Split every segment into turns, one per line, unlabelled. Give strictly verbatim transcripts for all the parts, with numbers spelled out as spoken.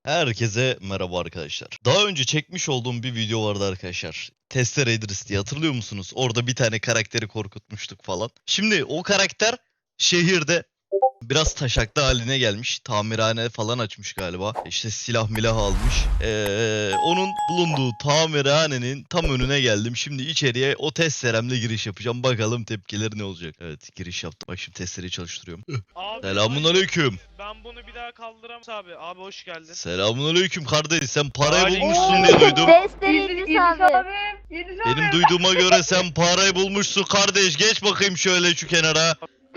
Herkese merhaba arkadaşlar. Daha önce çekmiş olduğum bir video vardı arkadaşlar. Testere İdris diye hatırlıyor musunuz? Orada bir tane karakteri korkutmuştuk falan. Şimdi o karakter şehirde biraz taşaklı haline gelmiş. Tamirhane falan açmış galiba. İşte silah milah almış. Ee, onun bulunduğu tamirhanenin tam önüne geldim. Şimdi içeriye o testeremle giriş yapacağım. Bakalım tepkileri ne olacak. Evet, giriş yaptım. Bak şimdi testereyi çalıştırıyorum.
Abi,
Selamünaleyküm.
Ben bunu bir daha kaldıramam abi. Abi hoş geldin.
Selamünaleyküm kardeş. Sen parayı
Aleyküm.
bulmuşsun diye duydum.
Testere İdris abi.
Benim duyduğuma göre sen parayı bulmuşsun kardeş. Geç bakayım şöyle şu kenara.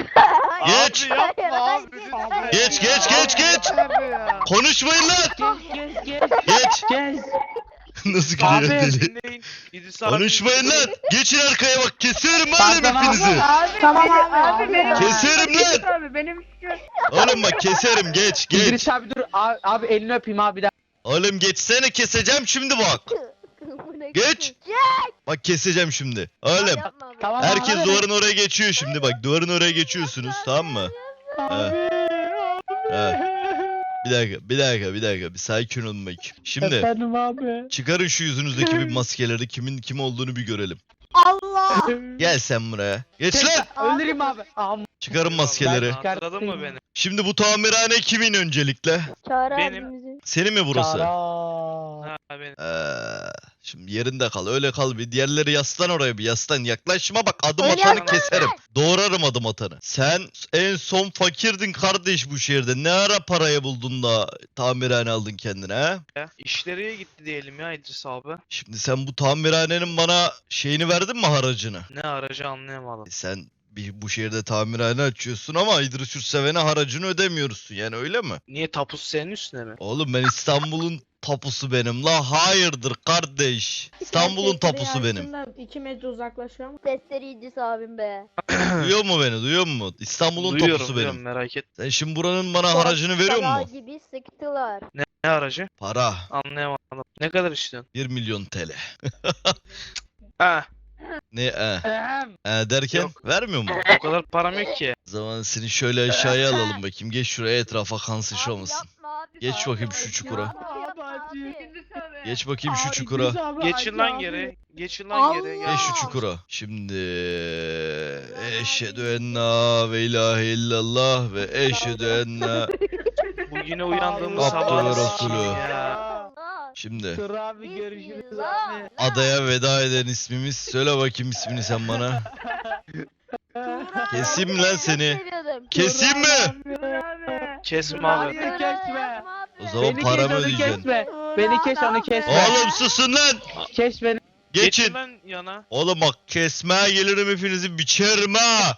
Geç.
Abi yapma abi.
Geç geç geç geç. Konuşmayın lan.
Geç geç
Geç.
geç.
Nasıl
Abi
gülüyor deli.
dinleyin. İdris abi.
Konuşmayın lan. Geçin arkaya bak. Keserim
Pardon
oğlum hepinizi.
Abi,
Tamam
abi,
abi.
abi benim
Keserim lan.
abi benim
Oğlum bak keserim geç geç.
İdris abi dur abi, abi elini öpeyim abi bir daha.
Oğlum geçsene keseceğim şimdi bak. Geç. Bak keseceğim şimdi. Oğlum.
Tamam
Herkes
abi.
duvarın oraya geçiyor şimdi bak. Duvarın oraya geçiyorsunuz tamam mı? He. He. Bir dakika, bir dakika, bir dakika. Bir sakin olun bakayım. Şimdi
Efendim abi.
çıkarın şu yüzünüzdeki bir maskeleri. Kimin kim olduğunu bir görelim.
Allah.
Gel sen buraya. Geç lan.
Öldüreyim abi. Am
Çıkarın maskeleri.
Ben-
Hatırladın mı beni?
Şimdi bu tamirhane kimin öncelikle?
Çağrı
Benim.
abimizin.
Senin mi burası?
Kara.
Ha benim.
Ee, şimdi yerinde kal. Öyle kal. Bir diğerleri yaslan oraya bir yaslan. Yaklaşma bak adım
Öyle
atanı
yapma.
keserim. Doğrarım adım atanı. Sen en son fakirdin kardeş bu şehirde. Ne ara parayı buldun da tamirhane aldın kendine ha?
Ya. İşleriye gitti diyelim ya İdris abi.
Şimdi sen bu tamirhanenin bana şeyini verdin mi haracını?
Ne aracı anlayamadım.
E sen bir bu şehirde tamirhane açıyorsun ama İdris Ürseven'e haracını ödemiyorsun yani öyle mi?
Niye tapus senin üstüne mi?
Oğlum ben İstanbul'un tapusu benim la hayırdır kardeş. İstanbul'un tapusu benim.
iki metre uzaklaşıyor ama.
Testere İdris abim be.
Duyuyor mu beni duyuyor mu? İstanbul'un
Duyuyorum,
tapusu
duyuyorum,
benim.
merak et.
Sen şimdi buranın bana haracını veriyor
Para
musun?
gibi sıktılar.
Ne aracı?
Para.
Anlayamadım. Ne kadar istiyorsun?
bir milyon T L.
Ha,
Ne e?
Ehem.
E derken
Yok.
vermiyor mu?
o kadar param yok ki.
O zaman seni şöyle aşağıya alalım bakayım. Geç şuraya etrafa kan sıçramasın. Geç bakayım şu çukura. Geç bakayım şu
Aa,
çukura.
İdris abi,
Geçin
acı
lan
abi.
geri. Geçin lan geri.
Allah!
Geç
Gel.
şu çukura. Şimdi eşhedü enna ve ilahe illallah ve eşhedü enna.
Bugüne uyandığımız
Abdü
sabah
ve
sikeyim
Resulü.
ya.
Şimdi
Dur abi görüşürüz
Bismillah.
abi.
adaya veda eden ismimiz. Söyle bakayım ismini sen bana. Keseyim mi lan seni? Keseyim mi?
Kesme abi.
Hayır kesme.
O zaman
Beni
paramı
kes onu
ödeyeceksin.
kesme. Beni kes onu kesme.
Oğlum susun lan.
Kes beni.
Geçin.
Geçin lan yana.
Oğlum bak kesmeye gelirim hepinizi biçerim ha.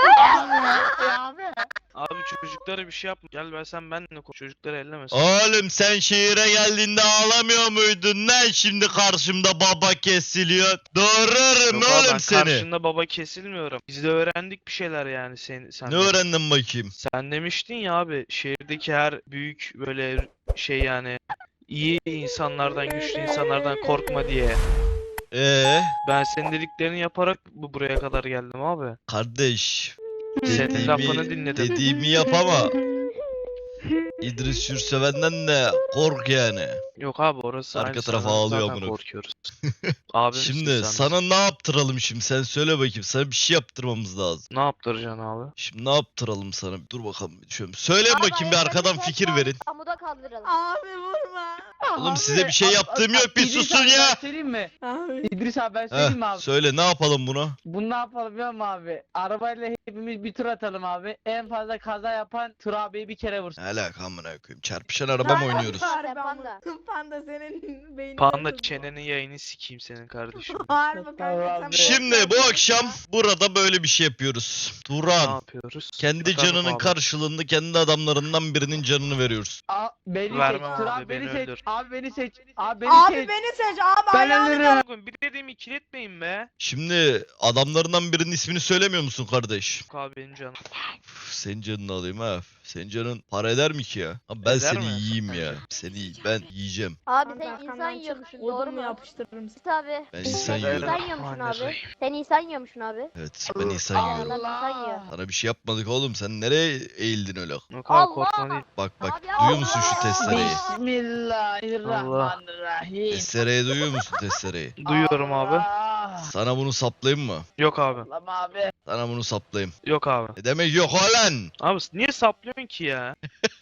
Abi çocuklara bir şey yapma. Gel ben sen benle konuş. Çocukları ellemesin.
Oğlum sen şehire geldiğinde ağlamıyor muydun lan şimdi karşımda baba kesiliyor. Doğrarım
Yok abi, ben
oğlum seni.
karşında baba kesilmiyorum. Biz de öğrendik bir şeyler yani sen sen.
Ne öğrendin bakayım?
Sen demiştin ya abi şehirdeki her büyük böyle şey yani iyi insanlardan güçlü insanlardan korkma diye.
Ee
Ben senin dediklerini yaparak bu buraya kadar geldim abi.
kardeş
Senin lafını
dediğimi,
dinledim.
dediğimi yap ama İdris Sürseven'den de kork yani.
Yok abi orası
Arka
aynı
tarafa
sana
ağlıyor
zaten
amına.
korkuyoruz. Abimsin
Şimdi
sen.
sana ne yaptıralım şimdi sen söyle bakayım sana bir şey yaptırmamız lazım.
Ne yaptıracaksın abi?
Şimdi ne yaptıralım sana dur bakalım şöyle. Söyleyin bakayım bir arkadan fikir verin.
Amuda kaldıralım.
Abi vurma.
Oğlum size bir şey yaptığım yok bir
İdris
susun
abi,
ya.
Ben söyleyeyim mi?
Abi.
İdris abi ben söyleyeyim mi
Heh,
abi?
söyle ne yapalım bunu?
Bunu ne yapalım biliyor musun abi? Arabayla hepimiz bir tur atalım abi. En fazla kaza yapan tur abiyi bir kere vursun.
Ne alaka amına koyayım çarpışan araba mı oynuyoruz?
Harbi
Panda.
ama. Panda senin beynine
Panda
oturdu.
çenenin yayını sikeyim senin kardeşim.
Harbi kanka sen
Şimdi bu akşam burada böyle bir şey yapıyoruz.
Ne
Turan
yapıyoruz?
kendi
Efendim
canının
abi.
karşılığında kendi adamlarından birinin canını veriyoruz.
Aa, beni
Vermem
seç. Tur
abi,
abi
beni
beni seç.
öldür.
Abi Abi beni seç. Abi beni
Abi
seç.
beni seç abi
Ben
ayağını
ölürüm.
Oğlum, bir dediğimi ikiletmeyin be.
Şimdi adamlarından birinin ismini söylemiyor musun kardeş?
Yok abi benim canım.
Üf, senin canını alayım ha. Senin canın para eder mi ki ya? Abi ben
Eder
seni
mi?
yiyeyim ya. Seni ben yiyeceğim.
Abi
Abi
sen insan
arkamdan çık,
yiyormuşsun doğru
odumu
mu?
yapıştırırım.
Evet abi.
Ben
Sen
insan yiyorum.
insan yiyormuşsun abi.
Bismillahirrahmanirrahim.
Sen insan yiyormuşsun abi.
Evet ben insan yiyorum.
Adam insan yiyor.
Sana bir şey yapmadık oğlum. Sen nereye eğildin öyle?
Yok abi
Allah!
korkma değil.
Bak bak
Abi
duyuyor musun şu
Allah!
testereyi?
Bismillahirrahmanirrahim.
Testereyi duyuyor musun testereyi?
Duyuyorum abi.
Allah.
Sana bunu saplayayım mı?
Yok abi.
Allah'ım abi.
Sana bunu saplayayım.
Yok abi.
Ne demek yok lan?
Abi niye saplıyorsun ki ya?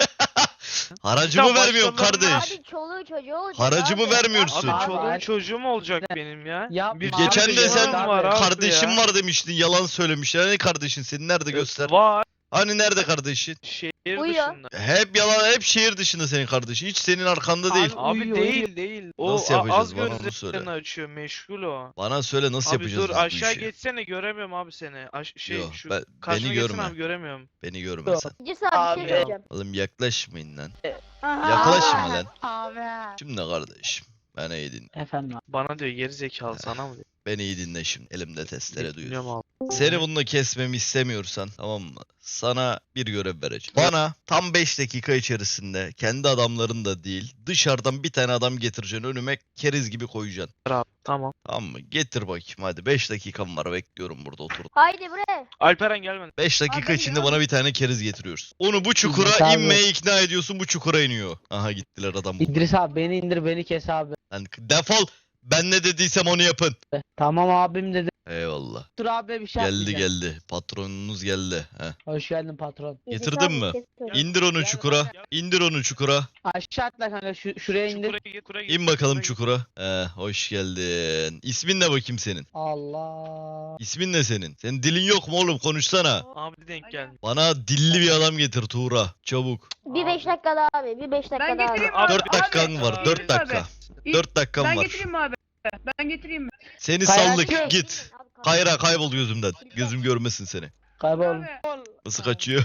Haracımı
Ya
vermiyorsun
başkalarına-
kardeş.
Abi çoluğu çocuğu olacak
Haracımı
abi.
vermiyorsun.
Abi
Abi,
çoluğum
abi.
çocuğum olacak benim ya.
Yapma
Bir
abi,
Geçen de sen
yalan var abi
kardeşim
ya.
var demiştin. Yalan söylemişler. Hani kardeşin senin nerede göster?
Var.
Hani nerede kardeşin?
Şehir
Uyuyor.
dışında.
Hep yalan, hep şehir dışında senin kardeşin. Hiç senin arkanda değil.
Abi
Uyuyor,
değil değil. O
Nasıl
a-
yapacağız?
az
Bana onu
gözlerini
söyle.
açıyor. Meşgul o.
Bana söyle nasıl
Abi
yapacağız
dur
biz bu
aşağı
işi?
geçsene göremiyorum abi seni. Aş şey
Yok,
şu
ben-
karşıma
beni
geçsene
görme.
abi göremiyorum.
Beni görme sen.
İdris abi bir
Abi.
şey söyleyeceğim.
Oğlum yaklaşmayın lan.
Aha.
Yaklaşma lan.
Abi.
Şimdi kardeşim. Beni iyi dinle.
Efendim abi.
Bana diyor geri zekalı sana mı diyor.
Beni iyi dinle şimdi. Elimde testere
Bilmiyorum
duyuyorsun.
abi.
Seni bununla kesmemi istemiyorsan tamam mı? Sana bir görev vereceğim. Bana tam beş dakika içerisinde kendi adamların da değil dışarıdan bir tane adam getireceksin önüme keriz gibi koyacaksın.
Abi, tamam.
Tamam mı? Getir bakayım hadi beş dakikam var bekliyorum burada otur.
Haydi buraya.
Alperen gelmedi.
beş dakika
Abi
içinde
ya.
bana bir tane keriz getiriyoruz. Onu bu çukura
İdris abi.
inmeye ikna ediyorsun bu çukura iniyor. Aha gittiler adam.
İdris abi beni indir beni kes abi.
Lan defol ben ne dediysem onu yapın.
Tamam abim dedi.
Eyvallah.
Dur abi bir şey
Geldi
yapmayacağım.
geldi. Patronunuz geldi. Heh.
Hoş geldin patron.
İdris
Getirdin
abi
mi?
bir şey söyleyeceğim.
İndir onu çukura. İndir onu çukura.
Aşağı atla kanka şu, şuraya indir.
Çukura git, çukura git.
İn bakalım
çukura git.
çukura. Ee, hoş geldin. İsmin ne bakayım senin?
Allah.
İsmin ne senin? Senin dilin yok mu oğlum? Konuşsana.
Abi denk geldi.
Bana dilli bir adam getir Tuğra. Çabuk.
Bir beş dakika daha abi. Bir beş dakika
Ben
daha abi.
getireyim
Abi,
abi.
Dört dakikan var.
abi.
Dört dakika.
İyi,
Dört dakikan
Ben
var.
getireyim mi abi? Ben getireyim mi?
Seni
Kayra
saldık.
çık.
Git.
Abi,
Kayra kaybol gözümden. Gözüm görmesin seni.
Kaybol.
Abi,
Nasıl kaçıyor?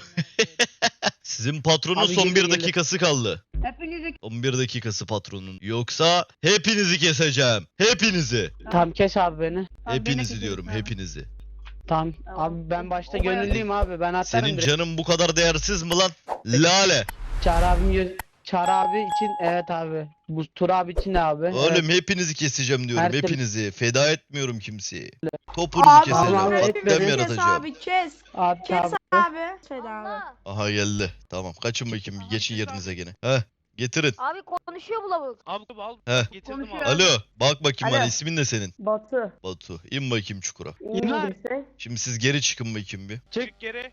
Sizin patronun
Abi
son
gelir,
bir
gelir.
dakikası kaldı.
hepinizi
Son bir dakikası patronun. Yoksa hepinizi keseceğim. Hepinizi.
Tamam kes abi beni.
Abi, beni
Hepinizi
keselim
diyorum.
abi.
Hepinizi.
Tamam.
Tamam.
Abi ben başta
O bayağı-
gönüllüyüm abi. Ben atarım
Senin
direkt.
canın bu kadar değersiz mi lan? Lale.
Çağrı abim göz... Çağrı abi için evet abi. Bu Tur abi için de abi.
Oğlum
Evet.
hepinizi keseceğim diyorum.
Her türlü-
Hepinizi. Feda etmiyorum kimseyi. Topunuzu
Abi,
keserim.
abi,
Katliam
etmedim.
Kes
yaratacağım.
abi kes.
Abi
Kes
abi.
abi. Söyle abi.
Allah.
Aha geldi. Tamam kaçın bakayım. Geçin yerinize gene. Heh. Getirin.
Abi konuşuyor bu lavuk.
Abi al.
Heh.
Getirdim
Konuşuyor.
abi.
Alo. Bak bakayım bana
Alo.
ismin ne senin?
Batu.
Batu. İn bakayım çukura.
İn lan.
Şimdi siz geri çıkın bakayım bir.
Çık geri.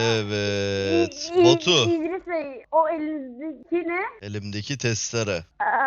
Evet.
İ- İ-
Batu.
İdris Bey o elinizdeki ne?
Elimdeki testere.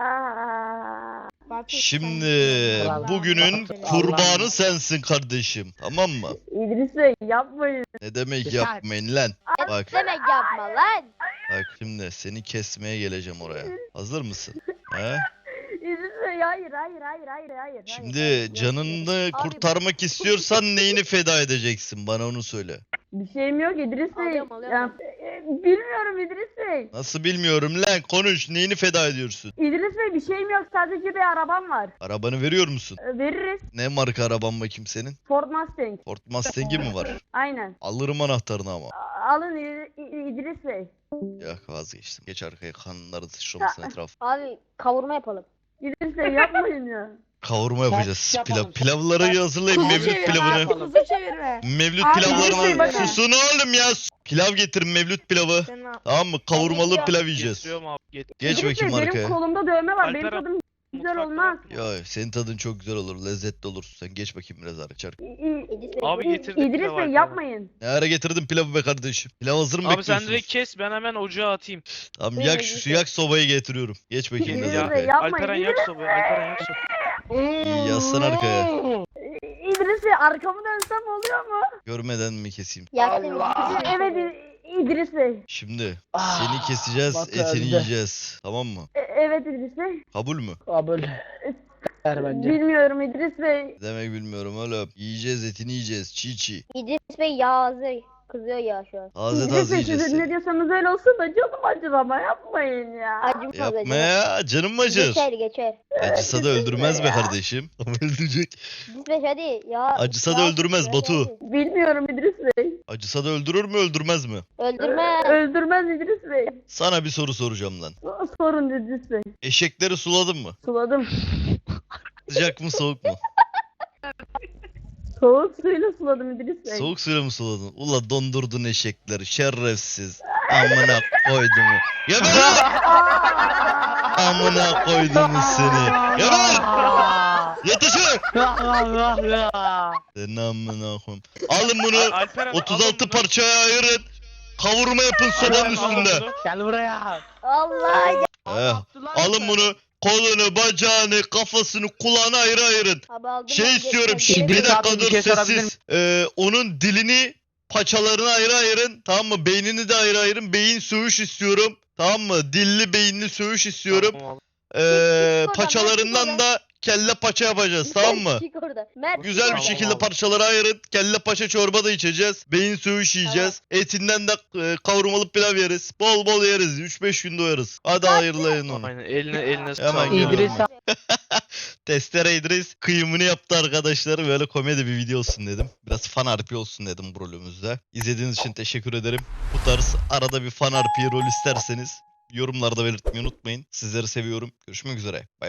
Aa,
Batu,
Şimdi
Bravo.
bugünün
Bravo.
kurbanı sensin kardeşim. Tamam mı?
İdris Bey yapmayın.
Ne demek
Güzel.
yapmayın lan.
Ne
Bak.
demek yapma lan.
Bak şimdi seni kesmeye geleceğim oraya. Hazır mısın? He?
İdris Bey hayır hayır hayır hayır hayır.
Şimdi
hayır.
canını kurtarmak istiyorsan neyini feda edeceksin? Bana onu söyle.
Bir şeyim yok İdris Bey.
Alıyorum, alıyorum.
Ya, e, bilmiyorum İdris Bey.
Nasıl bilmiyorum lan konuş. Neyini feda ediyorsun?
İdris Bey bir şeyim yok sadece bir arabam var.
Arabanı veriyor musun?
E, Veririz.
Ne marka araban bakayım senin?
Ford Mustang.
Ford Mustang'i mi var?
Aynen.
Alırım anahtarını ama.
A- Alın İ- İ- İdris Bey.
Yok vazgeçtim. Geç arkaya kanların sıçramasın etraf.
Abi kavurma yapalım.
İdris Bey yapmayın ya.
Kavurma yapacağız.
Şey
Pilav,
yapalım.
pilavları hazırlayın.
Kuzu
Mevlüt
çevirme
pilavını.
abi. Kuzu çevirme.
Mevlüt
Abi,
pilavlarını.
şey bakın.
Susun oğlum ya. Pilav getirin mevlüt pilavı.
Sen ne yap-
Tamam mı? Kavurmalı
Ben
pilav yiyeceğiz.
Getiriyorum abi. Get.
Geç
İdris
bakayım
Bey benim
arkaya.
kolumda dövme var. Benim
Alperen,
tadım güzel
Mutfakta
olmaz.
var mı?
Ya senin tadın çok güzel olur. Lezzetli olursun sen. Geç bakayım biraz ara çark.
İ- İ-
İdris Bey.
Abi
İ-
getirdik
İdris
pilavı
Bey
Alperen.
yapmayın.
Ne ara getirdin pilavı be kardeşim? Pilav hazır mı
Abi sen
bekliyorsunuz?
direkt kes ben hemen ocağa atayım.
Tamam yak şu yak sobayı getiriyorum. Geç bakayım
İdris
biraz
İdris Bey
arkaya.
yapmayın.
Alperen
İdris,
yak sobayı. Alperen yak sobayı.
İyi yazsana arkaya.
İdris Bey arkamı dönsem oluyor mu?
Görmeden mi keseyim?
Yaktın.
Allah.
Evet İ- İdris Bey.
Şimdi
Ah,
seni keseceğiz,
Batu
etini
öldü.
yiyeceğiz. Tamam mı?
E- evet İdris Bey.
Kabul mü?
Abi. Ver bence.
Bilmiyorum İdris Bey.
Ne demek bilmiyorum oğlum. Yiyeceğiz, etini yiyeceğiz. Çiğ çiğ.
İdris Bey yağ hazır. Kızıyor ya şu an.
Taze
İdris
taze
Bey siz
yiyeceğiz.
ne diyorsanız öyle olsun da canım acır ama yapmayın ya.
Acımaz
Yapma
acımaz.
ya canım mı acır?
Geçer geçer.
Acısa da öldürmez be kardeşim. Ama öldürecek.
İdris Bey hadi ya.
Acısa da
ya,
öldürmez
hadi,
Batu.
hadi.
Bilmiyorum İdris Bey.
Acısa da öldürür mü öldürmez mi?
Öldürme.
Öldürmez İdris Bey.
Sana bir soru soracağım lan.
Sorun İdris Bey.
Eşekleri suladın mı?
Suladım.
Sıcak mı soğuk mu?
Soğuk suyla suladım İdris Bey.
Soğuk suyla mı suladın? Ula dondurdun eşekleri şerefsiz. Amına koydum. Geber lan! Amına koydum seni. Geber! Yat aşağı! Senin amına koyayım. Alın bunu
Alperen,
otuz
alın
altı
bunu.
parçaya ayırın. Kavurma yapın sobanın üstünde.
Gel buraya.
Allah ya.
Eh, alın bunu. Kolunu, bacağını, kafasını, kulağını ayrı ayırın.
Abi aldım
Şey
ben,
istiyorum.
geçen-
şş, bir
İdris
dakika
abi, bir
dur
şey sorabilir
sessiz. Ee, onun dilini, paçalarını ayrı ayırın. Tamam mı? Beynini de ayrı ayırın. Beyin söğüş istiyorum. Tamam mı? Dilli beyinli söğüş istiyorum.
Tamam, al.
Ee,
Çık oradan,
paçalarından
çık
da kelle paça yapacağız. Tamam mı?
Çık orada. Mert,
Güzel bir
Tamam,
şekilde
abi.
parçalara ayırın. Kelle paça çorba da içeceğiz. Beyin söğüş yiyeceğiz. Etinden de e, kavurmalı pilav yeriz. Bol bol yeriz. üç beş gün doyarız. Hadi hayırlayın onu.
Aynen eline eline
Hemen
sağlık.
geliyorum
İdris
ben. Testere İdris kıyımını yaptı arkadaşlar. Böyle komedi bir video olsun dedim. Biraz fan R P olsun dedim bu rolümüzde. İzlediğiniz için teşekkür ederim. Bu tarz arada bir fan R P rol isterseniz yorumlarda belirtmeyi unutmayın. Sizleri seviyorum. Görüşmek üzere. Bye.